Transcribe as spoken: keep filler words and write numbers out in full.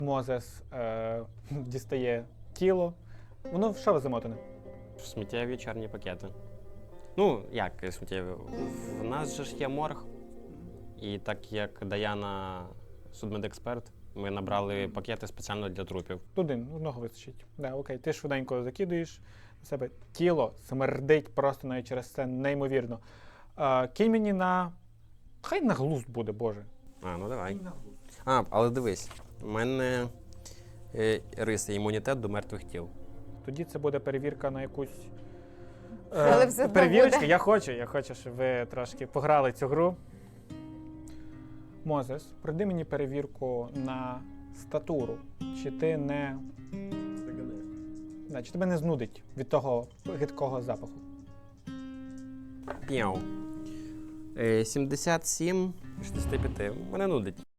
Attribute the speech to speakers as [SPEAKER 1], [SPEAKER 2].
[SPEAKER 1] Мозес е, дістає тіло. Воно в що замотане?
[SPEAKER 2] Сміттєві чорні пакети. Ну, як сміттєві? В нас же ж є морг. І так як Даяна судмедексперт, ми набрали пакети спеціально для трупів.
[SPEAKER 1] Один, одного вистачить. Да, окей, ти швиденько закидуєш на себе. Тіло смердить просто навіть через це неймовірно. Е, кинь мені на... Хай на глузд буде, Боже.
[SPEAKER 2] А, ну давай. А, але дивись, у мене е, риси, імунітет до мертвих тіл.
[SPEAKER 1] Тоді це буде перевірка на якусь...
[SPEAKER 3] Але все одно
[SPEAKER 1] перевірочка.
[SPEAKER 3] буде.
[SPEAKER 1] Я хочу, я хочу, щоб ви трошки пограли цю гру. Мозес, пройди мені перевірку на статуру. Чи ти не... Да, чи тебе не знудить від того гидкого запаху?
[SPEAKER 2] П'яу. Е, сімдесят сім шістдесят п'ять. Мене нудить.